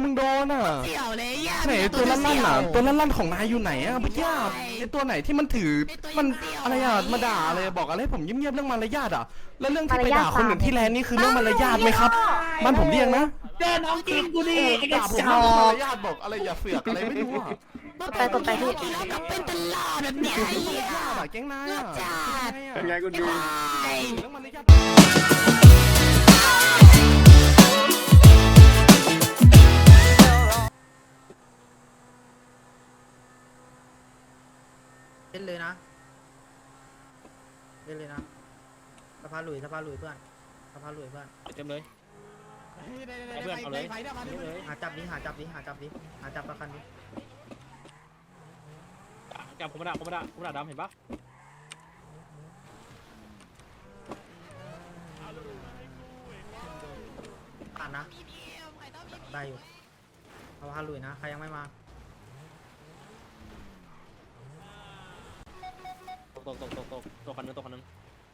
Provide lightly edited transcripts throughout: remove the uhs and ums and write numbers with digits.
มึงโดนอ่ะเสี่ยวเลยย่าไหนตัวลั่นๆอ่ะตัวลั่นๆของนายอยู่ไหนอ่ะพี่ย่าไอตัวไหนที่มันถือมันอะไรอ่ะมาด่าอะไรบอกอะไรผมเงียบๆเรื่องมารยาทอ่ะแล้วเรื่องที่ไปด่าคนอื่นที่แลนนี่คือเรื่องมารยาทไหมครับบ้านผมเรียกนะเจอน้องจริงกูดิไอ้กระด่าผมจเรื่องอมาก รยาทบอกอะไรอย่าเสือกอะไรไม่รู้อ่ะกดไปพี่แล้วก็เป็นตลอดแบบเนี้ยไอ้เหี้ยด่าแก๊งนายอ่ะเป็นไงคุณดูไอ้เรื่องมารยาทเล่นเลยนะเล่นเลยนะสภาหลุยเพื่อนสภาหลุยเพื่อนเต็มเลยเพื่อนเอาเลยหาจับประกันดิจับผมด่าดำเห็นปะผ่านนะได้อยู่สภาหลุยนะใครยังไม่มาตกคันนึงตกหนึ่ง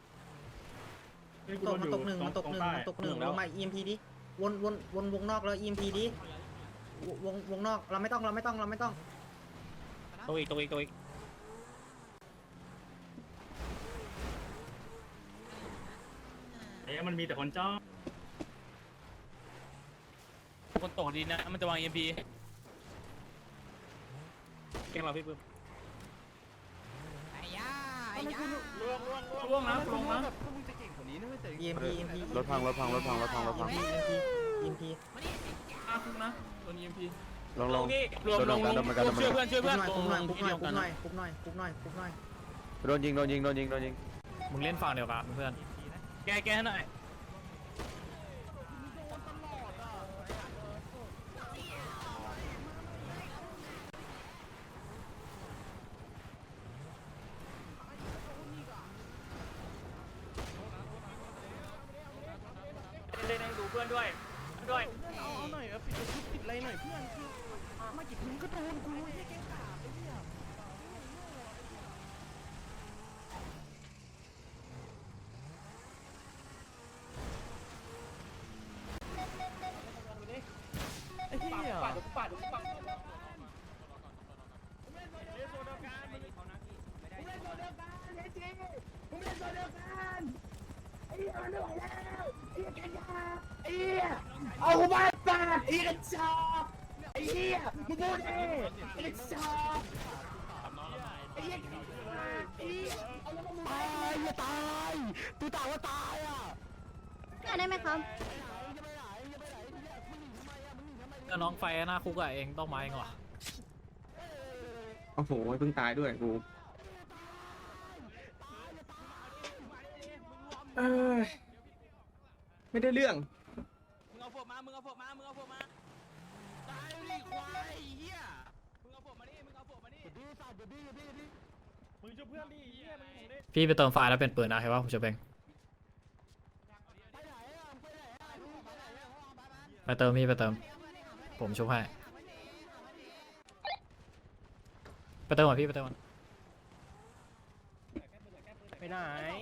มันตกหนึ่งลงมา EMP ดิวนวงนอกแล้ว EMP ดิวงนอกเราไม่ต้องตกอีกมันมีแต่คนจ้องคนตกดีนะมันจะวาง EMP เก่งมาพี่ปื้มไอ้ย่าไอ้ย่าล่วงนะลงนะพวกมึงจะเก่งกว่านี้นะเว้ยแต่ EMP รถพัง EMP อาคุกนะโดน EMP ลงรวมช่วยเพื่อนคุบหน่อยโดนยิงมึงเล่นฝั่งเดียวกันเพื่อนแก้หน่อยเล่นให้ดูเพื่อนด้วยเอาหน่อยปิดอะไรหน่อยเพื่อนคือมากี่มึงก็โดนกูไอ้แก๊งกาไอ้เหี้ยไอ้เหี้ยเอากูมาปาดไอ้กระจอกไอ้เหี้ยมึงพูดเองไอ้กระจอกไอ้เหี้ยไอ้เหี้ยเอาแล้วมึงตายอย่าตายตูตาว่าตายอ่ะได้ไหมครับน้องไฟหน้าคุกอะเองต้องมาเองเหรอโอ้โหเพิ่งตายด้วยกูไม่ได้เรื่องมึงเอาพวกมาตายดิควายเหี้ยมึงเอาพวกมานี่มึงช่วยเพื่อนดิเหี้ยมึงของเด็กพี่ไปเติมไฟแล้วเป็นปืนนะเห็นป่ะผมจะเป็นไปเติมพี่ไปเติมผมชุบให้ไปเติมก่อนพี่ไปเติมก่อนไปไหน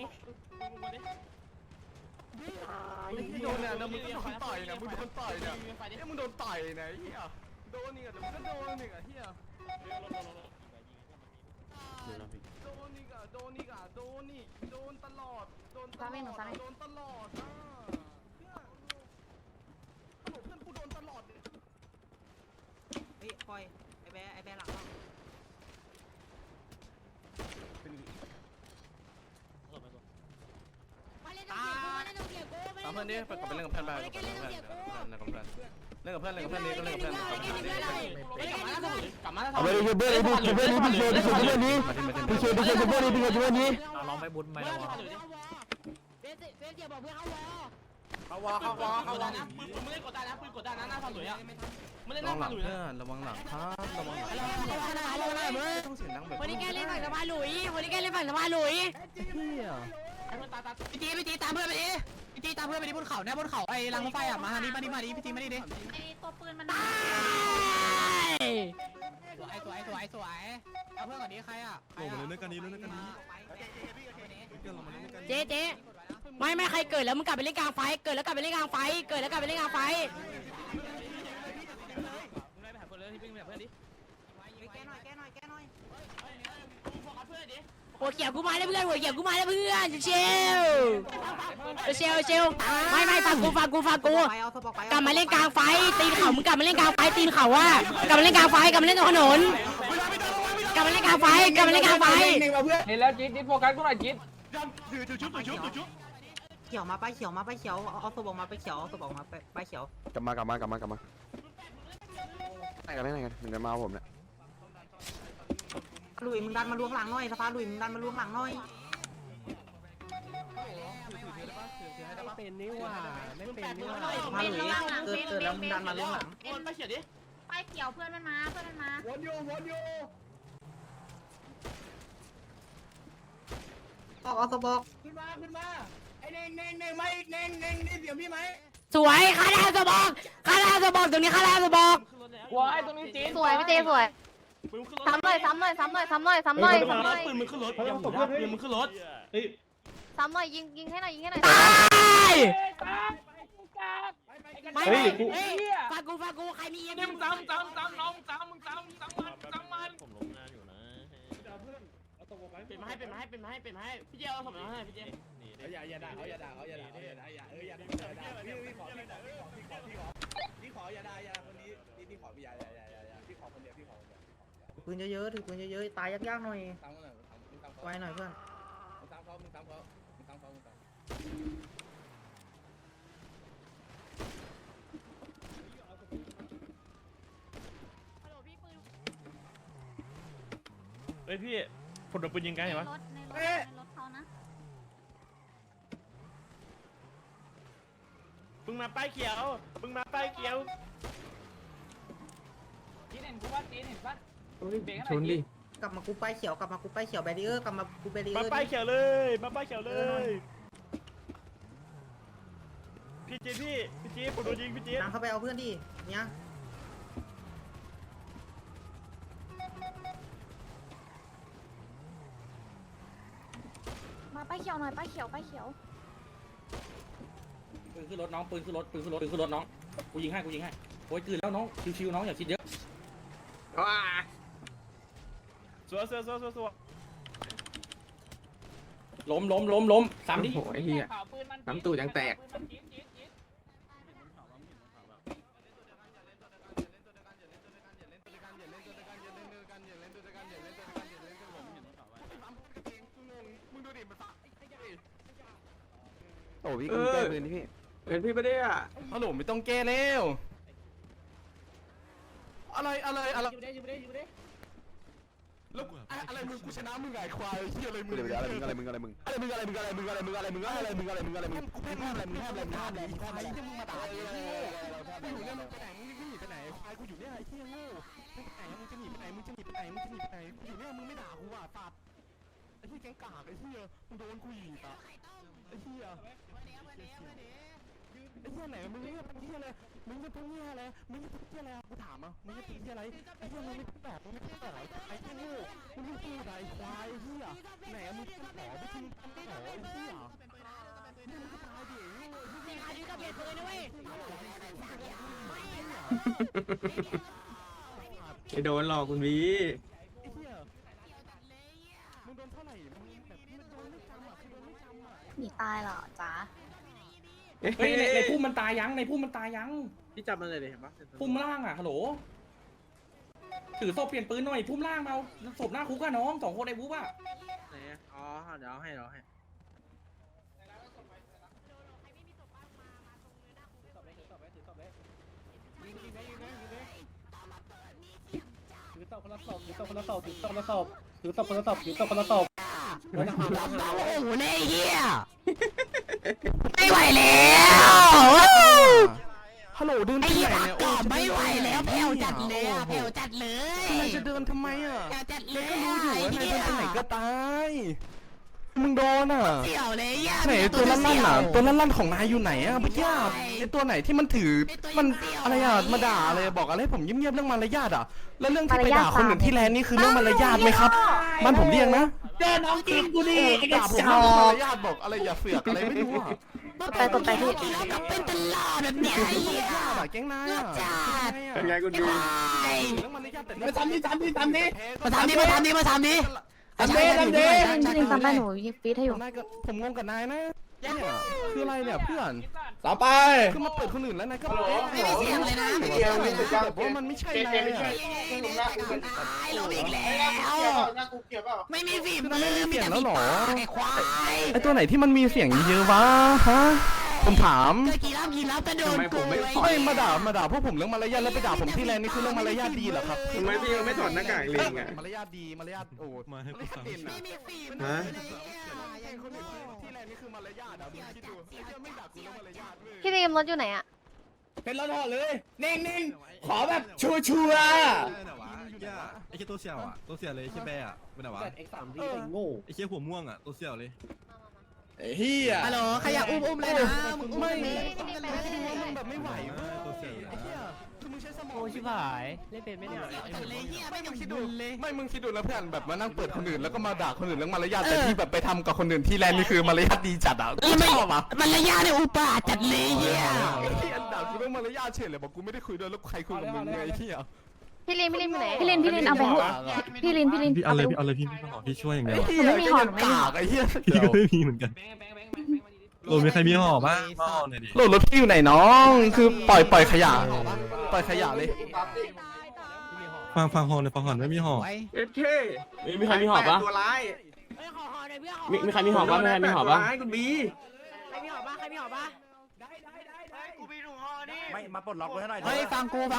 โดนเนี่ยนะมึงก็โดนต่อยเนี่ยมึงโดนต่อยเนี่ยมึงโดนต่อยเนี่ยเหี้ยโดนนี่อ่ะเดี๋ยวมึงก็โดนนี่อ่ะเหี้ยโดนนี่โดนตลอดโดนตลอดอ่ะเพื่อนกูโดนตลอดเลยเฮ้ยปล่อยไอ้แบหลังตามเพื่อนดิไปกลับไปเล่นกับเพื่อนไปเล่นกับเพื่อนนี่ก็เล่นกับเพื่อนเอาไปช่วยเพื่อนพี่ช่วยเพื่อนนี้พี่ช่วยเพื่อนนี้ลองไปบุญไหมล่ะวะเขาวอนะปืนไม่ได้กดดันนะหน้าฝั่งหลุยอะไม่ได้หระน้าวังหลัฝั่งงหลุยเพื่อนระวังหลังครับระวังหลังต้องเสียงดังแบบวันนี้แกเล่นฝั่งสบายหลุยวันนี้แกเล่นฝั่งสบายหลุยเฮียพี่ตีตามเพื่อนไปดิพี่ตีตามเพื่อนไปดิบนเขาเนี่ยบนเขาไอ้รังรถไฟอ่ะมาทางนี้มาดิพี่ตีมาดิไอตัวปืนมันสวยเอาเพื่อนก่อนดิใครอ่ะลงมาเล่นกันนี้เจ๊ไม่ใครเกิดแล้วมึงกลับไปเล่นกลางไฟเกิดแล้วกลับไปเล่นกลางไฟหัวเขียวกูมาแล้วเพื่อนหัวเขียวกูมาแล้วเพื่อนเชลเชลไม่ฟังกูกลับมาเล่นกลางไฟตีนเขามึงกลับมาเล่นกลางไฟตีนเขาว่ากลับมาเล่นกลางไฟกลับมาเล่นตรงถนนกลับมาเล่นกลางไฟกลับมาเล่นกลางไฟเห็นแล้วจิ๊ดโฟกัสกูหน่อยจิ๊ดเขียวมาไปเขียวเอาศพออกมาไปเขียวเอาศพออกมาไปเขียวกลับมาไหนกันถึงจะมาผมเนี่ยลุยมึงดันมาล้วงหลังหน่อยสภาลุยมึงดันมาล้วงหลังหน่อยเป็นนี่ว่าไม่เป็นนี่ว่าสภาลุยเกิดแล้วมึงดันมาล้วงหลังไปเขียนดิไปเขียวเพื่อนมันมาวนอยู่เอาศพออกขึ้นมาไอ้เน่งมาอีกเน่งได้เสียงพี่ไหมสวยคาราสบอกตรงนี้คาราสบอกว้ายตรงนี้จิ๊ดสวยพี่เจสวยซ้ำหน่อยปืนมึงขึ้นรถปืนมึงขึ้นรถซ้ำหน่อยยิงให้หน่อยตายไม่ฟังกูใครมีเอ็มมึงซ้ำน้องซ้ำมันผมลงงานอยู่นะเป็นมาให้พี่เจเอาสมน้องให้พี่เจอย่าด่าพี่ขออย่าด่าคนนี้พี่ขออย่าคนเดียวพี่ขอคนเดียวปืนเยอะๆถือปืนเยอะๆตายยากๆหน่อยตามเขาหน่อยไว้หน่อยเพื่อนตามเขาเฮ้ยพี่ผลโดนปืนยิงไงวะในรถเขานะมึงมาป้ายเขียวจีนเห็นกูว่าจีนเห็นปะชนดิกลับมากูไปเขียวแบรีเออร์กลับมากูแบรีเออมาร์ป้ายเขียวเลยพี่จีผมโดนยิงพี่จีนำเข้าไปเอาเพื่อนดิเนี่ยมาไปเขียวหน่อยไปเขียวปืนขึ้นรถน้องปืนขึ้นรถน้องกูยิงให้โอ้ยกลืนแล้วน้องชิวๆน้องอย่าคิดเยอะสัวล้มสามดิโอ้ยเฮียน้ำตูดยังแตก โอ้พี่กูแก้ปืนนี่พี่เป็นพี่ไม่ได้อ่ะฮัลโหลไม่ต้องแก้แล้วอะไรแล้วอะไรมึงกูชนะมึงไงควายเฮียอะไรมึงเดี๋ยวอะไรมึงกูแพ้อะไรมึงห้ามอะไรมึงห้ามอะไรมึงมาด่าไอ้เหี้ยกูอยู่เนี่ยมึงไปไหนมึงหนีไปไหนควายกูอยู่เนี่ยไอ้เหี้ยโง่ไปไหนมึงจะหนีไปไหนกูอยู่เนี่ยมึงไม่ด่ากูอ่ะตัดไอ้เหี้ยแกงกากไอ้เหี้ยมึงโดนกูอีกอ่ะไอ้เหี้ยไหนมึงเนี่ยเป็นเหี้ยอะไรมึงจะเป็นเหี้ยอะไรกูถามอ่ะมึงจะเป็นเหี้ยอะไรไอ้เหี้ยมึงไม่ตอบไอ้เหี้ยโง่มึงไม่พูดอะไรควายไอ้เหี้ยไหนมึงเป็นหมอไม่ทิ้งหมอไอ้เหี้ยมึงก็ตายดิโดนหลอกคุณวีไอ้เหี้ยมึงโดนเท่าไหร่มึงแบบมึงโดนไม่จำอ่ะคือโดนไม่จำอ่ะหนีตายเหรอจ๊ะเฮ้ยในพุ่มมันตายยังพี่จับมันเลยดิเห็นปะพุ่มล่างอ่ะฮัลโหลถือศพเปลี่ยนปืนหน่อยพุ่มล่างเอาศพหน้าคุกอะน้อง2 คนไอ้บุ๊บอะไหนอ๋อเดี๋ยวให้ถือตบคนละศพโอ้โหเนี่ยเฮียไม่ไหวแล้วฮัลโหลเดินที่ไหนเนี่ยโอ้ไม่ไหวแล้วแผ่วจัดเลยนายจะเดินทำไมอ่ะจัดเลยก็รู้อยู่ว่านายเดินไปไหนก็ตายมึงโดนอ่ะเสี่ยวเลยย่าไหนตัวลั่นๆอ่ะตัวลั่นๆของนายอยู่ไหนอ่ะพี่ย่าไอตัวไหนที่มันถือมันอะไรอ่ะมาด่าอะไรบอกอะไรผมเงียบๆเรื่องมารยาทอ่ะแล้วเรื่องที่ไปด่าคนอื่นที่แลนนี่คือเรื่องมารยาทไหมครับมันผมเรียกนะเจอน้องจริงกูดิด่าผมเรื่องมารยาทบอกอะไรอย่าเสือกอะไรไม่รู้อ่ะกดไปพี่ก็เป็นตลอดแบบเนี้ยไอ้เหี้ยแก๊งนายอ่ะเป็นไงกูดูเรื่องมารยาทแต่มาทำนี่ทำนี่ทำนี่มาทำดิมาทำดิมาทำดิทำดิทำดิพี่ลิงตามไปหนูยิงฟีดให้อยู่นายก็ผมงงกับนายนะเนี่ยคืออะไรเนี่ยเพื่อนต่อไปคือมาเปิดคนอื่นแล้วนายก็ไม่มีเสียงเลยนะแบบว่ามันไม่ใช่นายตายลมอีกแล้วไม่มีฝีมือมีแต่ฝีปากไอ้ควายไอตัวไหนที่มันมีเสียงเยอะวะฮะผมถามเจอกี่รอบก็โดนกูไม่มาด่าพวกผมเรื่องมารยาทแล้วไปด่าผมที่แลนด์นี่คือเรื่องมารยาทดีเหรอครับทำไมพี่ไม่ถอดหน้ากากลิงอ่ะมารยาทดีมารยาทโอ้มาให้กูฟังไม่มีฝีมือฮะที่แลนด์นี่คือมารยาทอ่ะมึงคิดดูไม่ด่ากูเรื่องมารยาทเว้ยพี่ลิงรถอยู่ไหนอะเป็นรถห่อเลยนิ่งๆขอแบบชัวร์ไอ้เชี่ยตัวเสี่ยวอ่ะตัวเสี่ยวเลยไอ้เชี่ยแบร์อ่ะเป็นไงวะไอ้สามที่ไอ้โง่ไอ้เชี่ยหัวม่วงอ่ะตัวเสี่ยวเลยไอ้เฮียฮัลโหลใครอยากอุ้มเลยนะมึงอุ้มไม่เลยมึงแบบไม่ไหวเว้ยตัวเสี่ยวเลยไอ้เหี้ยคือมึงใช้สมองโอ้ชิบหายเล่นเป็นไม่ได้เลยเหี้ยไม่ต้องคิดดูดูเลยไม่มึงคิดดูแล้วเพื่อนแบบมานั่งเปิดคนอื่นแล้วก็มาด่าคนอื่นเรื่องมารยาทแต่ที่แบบไปทำกับคนอื่นที่แลนด์นี่คือมารยาทดีจัดอ่ะกูชอบอ่ะมันระยะเนี่ยอุปาจัดเลยเหี้ยไอ้เหี้ยด่ากูเรื่องมารยาทเฉยเลยบอกกูไม่ได้คุยด้วยแล้วใครคุยกับมึงไงไอ้เหี้ยพี่ลินอยู่ไหนพี่ลินเอาไปให้พี่ลินพี่เอาเลยพี่เอาเลยพี่ขอพี่ช่วยอย่างเดียวไอ้เหี้ยไม่มีหอมไม่มีกากไอ้เหี้ยพี่ก็ไม่มีเหมือนกันโอ้มีใครมีห่อบ้างมาห่อหน่อยดิโหลดรถพี่อยู่ไหนน้อง คือปล่อยขยะปล่อยขยะเลยฟังห่อหน่อยฟังห่อไม่มีห่อเอฟเคมีใครมีหอบปะตัวร้ายมีใครมีหอบปะมีใครมีหอบปะตัวร้ายคุณบีใครมีหอบปะไม่มาปลดล็อกไว้ให้หน่อยเฮ้ยฟังกูก่อน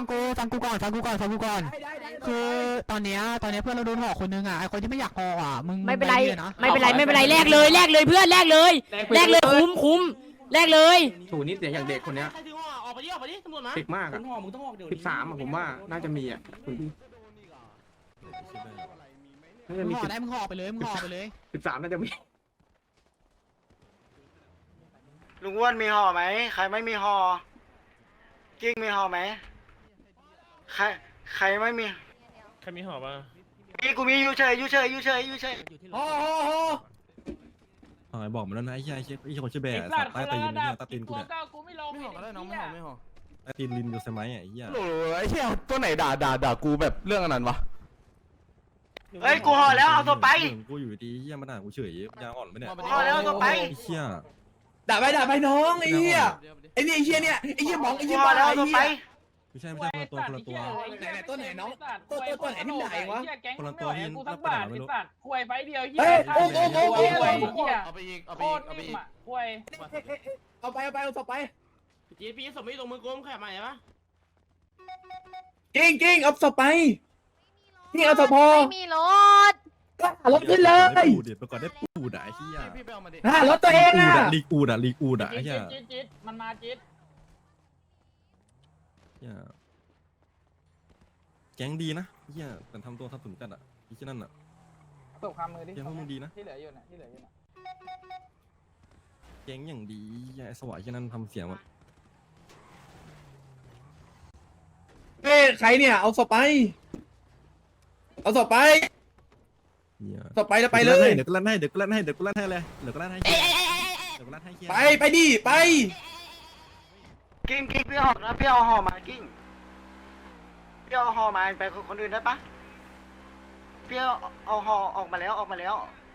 คือตอนเนี้ยเพื่อนเราโดนห่อคนนึงอ่ะไอคนที่ไม่อยากห่ออ่ะมึงไม่เป็นไรนะไม่เป็นไรแลกเลยเพื่อนแลกเลยคุ้มแลกเลยถูนี่เสียงอย่างเด็กคนเนี้ยใครถือห่อออกไปดิตำรวจมาเด็กมากคุอ่ะณห่อมึงต้องออกเดี๋ยว 13อ่ะผมว่าน่าจะมีอ่ะคุณพี่น่าจะมึมีงห่อได้มึงห่อไปเลย 13น่าจะมีลุงอ้วนมีห่อไหมใครไม่มีห่อกิ้งมีห่อไหมใครไม่มีใครมีหอบปะกูมีอยู่เฉยห่อไอ้บอกมันแล้วนะไอ้เชี่ยไอ้เชี่ยคนชื่อแบร์สัตว์ใต้ตีนเนี่ยใต้ตีนกูเนี่ยกูไม่ลงไม่ห่อก็ได้น้องไม่ห่อใต้ตีนลินอยู่ใช่ไหมไอ้เหี้ยโหลไอ้เหี้ยตัวไหนด่ากูแบบเรื่องอันนั้นวะเฮ้ยกูห่อแล้วเอาตัวไปกูอยู่ดีเหี้ยมาด่ากูเฉยยางอ่อนไหมเนี่ยห่อแล้วเอาตัวไปไอ้เชี่ยด่าไปน้องไอ้เหี้ยไอ้นี่ไอ้เหี้ยเนี่ยไอ้เหี้ยมองไอ้กูเหี้ยห่อบ้าแล้วไอ้เอาตัวเหี้ไปยไม่ใช่คนละตัวไหนตัวไหนน้องตัวไหนที่ด่าเองวะคนละตัวที่นับกระดาษไม่รู้คุยไปเดียวเฮ้ยโอ้เอาไปอีกโคตรนิ่มอ่ะคุยเอาไปเอาศพไปพี่สมมติลงมือกลมขยับมาเห็นปะกิ้งเอาศพไปนี่เอาศพพอไม่มีรถรถขึ้นเลยปูดเดี๋ยวไปก่อนได้ปูดอ่ะไอ้เหี้ยพี่ไปเอามาดิรถตัวเองอ่ะลีกูดอ่ะไอ้เหี้ยจิ๊ดมันมาจิ๊ดแก๊งดีนะเหี้ยแต่ทำตัวทับถุนจัดอ่ะไอ้เชี่ยนั่นอ่ะตกคำมือดิแก๊งพวกมึงดีนะที่เหลืออยู่น่ะแก๊งอย่างดีไอ้สวายเชี่ยนั่นทำเสียงแบบเฮ้ยใครเนี่ยเอาศพไปเอาศพไปเนี่ยศพไปแล้วไปเลยเดี๋ยวกูลั่นให้เลยเดี๋ยวกูลั่นให้เดี๋ยวกูลั่นให้ไปดิไปกิ้งพี่ห่อนะพี่เอาห่อมากิ้งพี่เอาห่อมาไปคนอื่นได้ปะพี่เอาห่อออกมาแล้ว